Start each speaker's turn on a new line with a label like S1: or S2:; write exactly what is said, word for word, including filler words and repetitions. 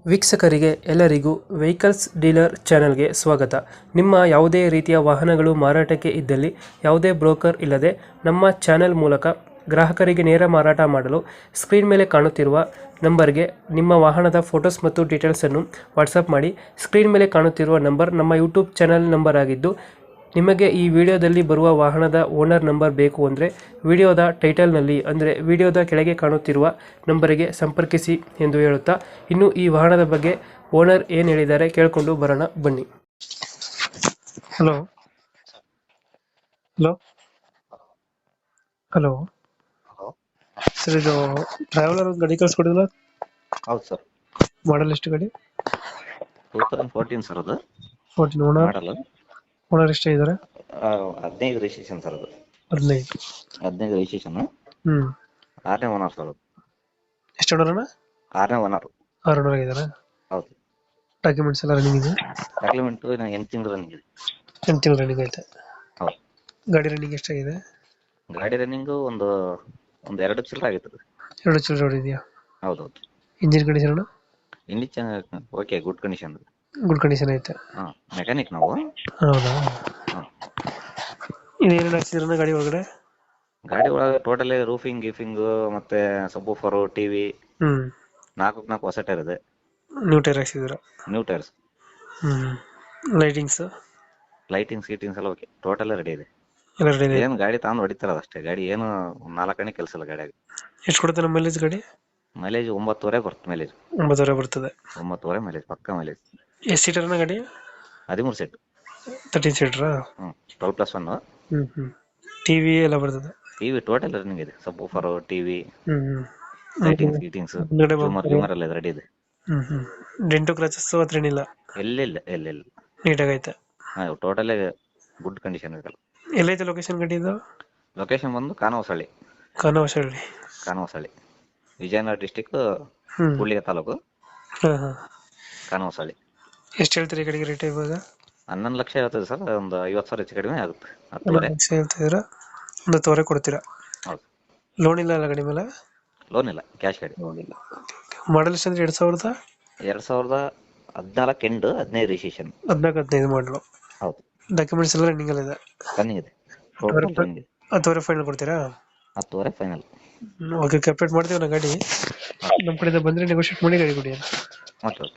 S1: ವೀಕ್ಷಕರಿಗೆ ಎಲ್ಲರಿಗೂ vehicles dealer ಚಾನೆಲ್ಗೆ ಸ್ವಾಗತ. ನಿಮ್ಮ ಯಾವುದೇ ರೀತಿಯ ವಾಹನಗಳು ಮಾರಾಟಕ್ಕೆ ಇದ್ದಲ್ಲಿ ಯಾವುದೇ ಬ್ರೋಕರ್ ಇಲ್ಲದೆ ನಮ್ಮ ಚಾನೆಲ್ ಮೂಲಕ ಗ್ರಾಹಕರಿಗೆ ನೇರ ಮಾರಾಟ ಮಾಡಲು ಸ್ಕ್ರೀನ್ ಮೇಲೆ ಕಾಣುತ್ತಿರುವ ನಂಬರ್ಗೆ ನಿಮ್ಮ ವಾಹನದ ಫೋಟೋಸ್ ಮತ್ತು ಡೀಟೇಲ್ಸನ್ನು ವಾಟ್ಸಪ್ ಮಾಡಿ. ಸ್ಕ್ರೀನ್ ಮೇಲೆ ಕಾಣುತ್ತಿರುವ ನಂಬರ್ ನಮ್ಮ ಯೂಟ್ಯೂಬ್ ಚಾನೆಲ್ ನಂಬರ್ ಆಗಿದ್ದು, ನಿಮಗೆ ಈ ವಿಡಿಯೋದಲ್ಲಿ ಬರುವ ವಾಹನದ ಓನರ್ ನಂಬರ್ ಬೇಕು ಅಂದರೆ ವಿಡಿಯೋದ ಟೈಟಲ್ನಲ್ಲಿ ಅಂದರೆ ವಿಡಿಯೋದ ಕೆಳಗೆ ಕಾಣುತ್ತಿರುವ ನಂಬರಿಗೆ ಸಂಪರ್ಕಿಸಿ ಎಂದು ಹೇಳುತ್ತಾ, ಇನ್ನು ಈ ವಾಹನದ ಬಗ್ಗೆ ಓನರ್ ಏನು ಹೇಳಿದ್ದಾರೆ ಕೇಳಿಕೊಂಡು ಬರೋಣ ಬನ್ನಿ. Hello hello hello
S2: hello.
S1: Sir, ಇದು ಟ್ರಾವೆಲರ್ ಒಂದು ಗಾಡಿ ಕಳಿಸ್ಕೊಡಿಲ್ಲ,
S2: ಹೌದು ಸರ್.
S1: ಮಾಡಲ್ ಎಷ್ಟು ಗಾಡಿ?
S2: ಟೂ ತೌಸಂಡ್ ಫೋರ್ಟೀನ್ ಸರ್ ಅದು
S1: ಫೋರ್ಟೀನ್. ಓನರ್
S2: ಮಾಡಲ್ಲ.
S1: ಓನರ್ ಎಷ್ಟೇ ಇದ್ದಾರೆ?
S2: ಹದಿನೈದು ರಿಜಿಸ್ಟ್ರೇಷನ್ ಸರ್ ಅದು.
S1: ಹದಿನೈದು.
S2: ಹದಿನೈದು ರಿಜಿಸ್ಟ್ರೇಷನ್.
S1: ಹ್ಮ್
S2: ಆರನೇ ಓನರ್ ಸರ್ ಅದು.
S1: ಎಷ್ಟು ಓನರ್?
S2: ಆರನೇ ಓನರ್.
S1: ಆರು ಓನರ್ ಆಗಿದ್ದಾರೆ.
S2: ಹೌದು.
S1: ಡಾಕ್ಯುಮೆಂಟ್ಸ್ ಎಲ್ಲ ರನ್ನಿಂಗ್ ಇದೆ?
S2: ಡಾಕ್ಯುಮೆಂಟ್ ಎಂಟು ತಿಂಗಳು ರನ್ನಿಂಗ್ ಇದೆ.
S1: ಎಂಟು ತಿಂಗಳು ರನ್ನಿಂಗ್ ಐತೆ.
S2: ಹೌದು.
S1: ಗಾಡಿ ರನ್ನಿಂಗ್ ಎಷ್ಟಾಗಿದೆ?
S2: ಗಾಡಿ ರನ್ನಿಂಗು ಒಂದು ಒಂದು ಎರಡು ಚಿಲ್ಲರೆ ಆಗಿತ್ತು.
S1: ಎರಡು ಚಿಲ್ಲರೆ ಹೊಡಿದೆಯಾ?
S2: ಹೌದು ಹೌದು.
S1: Engine condition?
S2: ಇಲ್ಲಿ ಚೆನ್ನಾಗಿ okay, good condition.
S1: Good condition ಐತೆ.
S2: ಹಾಂ, ಮೆಕ್ಯಾನಿಕ್ ನಾವು.
S1: ಹೌದಾ?
S2: ಹಾಂ.
S1: ಇನ್ನೇನೇನು ಹಾಕ್ಸಿದ್ರಣ್ಣ ಗಾಡಿ ಒಳಗಡೆ?
S2: ಗಾಡಿ ಒಳಗೆ ಟೋಟಲಿ ರೂಫಿಂಗ್ ಗೀಫಿಂಗು ಮತ್ತೆ ಸಬ್ಬೂಫರು, ಟಿ ವಿ,
S1: ಹ್ಮ್
S2: ನಾಲ್ಕು ನಾಲ್ಕು ಹೊಸ ಟೈರ್ ಇದೆ.
S1: ನ್ಯೂ ಟೈರ್ ಹಾಕ್ಸಿದ್ರ?
S2: New tyres.
S1: Hmm lightings
S2: lighting seatings ಎಲ್ಲ ಓಕೆ, ಟೋಟಲ್ ರೆಡಿ ಇದೆ.
S1: ಎಲ್ಲ ರೆಡಿ ಇದೆ.
S2: ಏನು ಗಾಡಿ ತಗೊಂಡು ಹೊಡಿತಾರಲ್ಲ ಅಷ್ಟೇ, ಗಾಡಿ ಏನು ನಾಲ್ಕನೇ ಕೆಲಸ ಇಲ್ಲ ಗಾಡಿಯಾಗ.
S1: ಎಷ್ಟು ಕೊಡುತ್ತೆ ನಮ್ಮ ಮೈಲೇಜ್ ಗಾಡಿ?
S2: ಮೈಲೇಜ್ ಒಂಬತ್ತುವರೆ ಬರುತ್ತೆ. ಮೈಲೇಜ್
S1: ಒಂಬತ್ತುವರೆ ಬರ್ತದೆ.
S2: ಒಂಬತ್ತುವರೆ ಮೈಲೇಜ್, ಪಕ್ಕ ಮೈಲೇಜ್.
S1: ಎಷ್ಟು ಸೀಟರ್ನ ಗಾಡಿ?
S2: ಹದಿಮೂರು ಸೀಟ್.
S1: ತರ್ಟೀನ್ ಸೀಟ್ರಾ?
S2: ಹ್ಞೂ, twelve plus one.
S1: Hmm hmm TV ಎಲ್ಲ ಬರ್ತದೆ?
S2: ಟಿ ವಿ ಟೋಟಲ್ ರನ್ನಿಂಗ್ ಇದೆ. Subwoofer, T V,
S1: hmm hmm
S2: lightings ಗೀಟಿಂಗ್ಸ್, ಜೂಮರ್ ಗ್ಯೂಮರ್ ಎಲ್ಲ ರೆಡಿ ಇದೆ.
S1: ಹ್ಮ್ ಹ್ಮ್ ಡೆಂಟು ಕ್ರಾಚಸ್ ಹತ್ರ ಏನಿಲ್ಲ?
S2: ಎಲ್ಲಿಲ್ಲ ಎಲ್ಲಿಲ್ಲ.
S1: ನೀಟಾಗೈತೆ.
S2: ಹಾಂ, ಟೋಟಲಿ ಗುಡ್ ಕಂಡೀಷನ್ ಇದೆಲ್ಲ.
S1: ಎಲ್ಲೈತೆ ಲೊಕೇಶನ್ ಗಾಡಿ ಇದು?
S2: ಲೊಕೇಶನ್ ಬಂದು ಕಾನವಸಳ್ಳಿ.
S1: ಕಾನವಶಳ್ಳಿ.
S2: ಕಾನವಸಳ್ಳಿ ವಿಜಯನಗರ ಡಿಸ್ಟಿಕ್,
S1: ಹ್ಮ್
S2: ಕೂಡ್ಲಿಗೆ ತಾಲೂಕು,
S1: ಹಾ ಹಾ
S2: ಕಾನವಸಳ್ಳಿ.
S1: ಎಷ್ಟು ಹೇಳ್ತೀರಿ ಗಾಡಿಗೆ ರೇಟ್ ಇವಾಗ?
S2: ಹನ್ನೊಂದು ಲಕ್ಷ ಹೇಳ್ತದೆ ಸರ್. ಒಂದು ಐವತ್ತು ಸಾವಿರ ಹೆಚ್ಚು ಕಡಿಮೆ ಆಗುತ್ತೆ. ಹತ್ತುವರೆ
S1: ಲಕ್ಷ ಹೇಳ್ತಿದ್ದೀರಾ? ಒಂದು ಹತ್ತುವರೆ ಕೊಡ್ತೀರಾ?
S2: ಹೌದು.
S1: ಲೋನ್ ಇಲ್ಲ ಅಲ್ಲ ಗಾಡಿ ಮೇಲೆ?
S2: ಲೋನ್ ಇಲ್ಲ, ಕ್ಯಾಶ್ ಗಾಡಿ.
S1: ಲೋನ್ ಇಲ್ಲ. ಮಾಡಲ್ ಎಷ್ಟು ಅಂದ್ರೆ ಎರಡು ಸಾವಿರದ
S2: ಎರಡು ಸಾವಿರದ ಹದಿನಾಲ್ಕು ಎಂಟು, ಹದಿನೈದು ರಿಜಿಸ್ಟ್ರೇಷನ್.
S1: ಹದಿನಾಲ್ಕು ಹದಿನೈದು ಮಾಡಲು.
S2: ಹೌದು.
S1: ಡಾಕ್ಯುಮೆಂಟ್ಸ್ ಎಲ್ಲ ರನ್ನಿಂಗ್ ಅಲ್ಲ ಇದೆ?
S2: ರನ್ನಿಂಗ್ ಇದೆ. ಟೋಟಲ್ ರನ್ನಿಂಗ್ ಇದೆ.
S1: ಹತ್ತುವರೆ ಫೈನಲ್ ಕೊಡ್ತೀರಾ?
S2: ಹತ್ತುವರೆ ಫೈನಲ್.
S1: ಓಕೆ, ಕಂಪ್ಲೀಟ್ ಮಾಡ್ತೀವಿ ನಾ ಗಾಡಿ. ನಮ್ಮ ಕಡೆಯಿಂದ ಬಂದರೆ ನೆಗೋಷಿಯೇಟ್ ಮಾಡಿ ಗಾಡಿ ಕೊಡಿ.
S2: ಓಕೆ.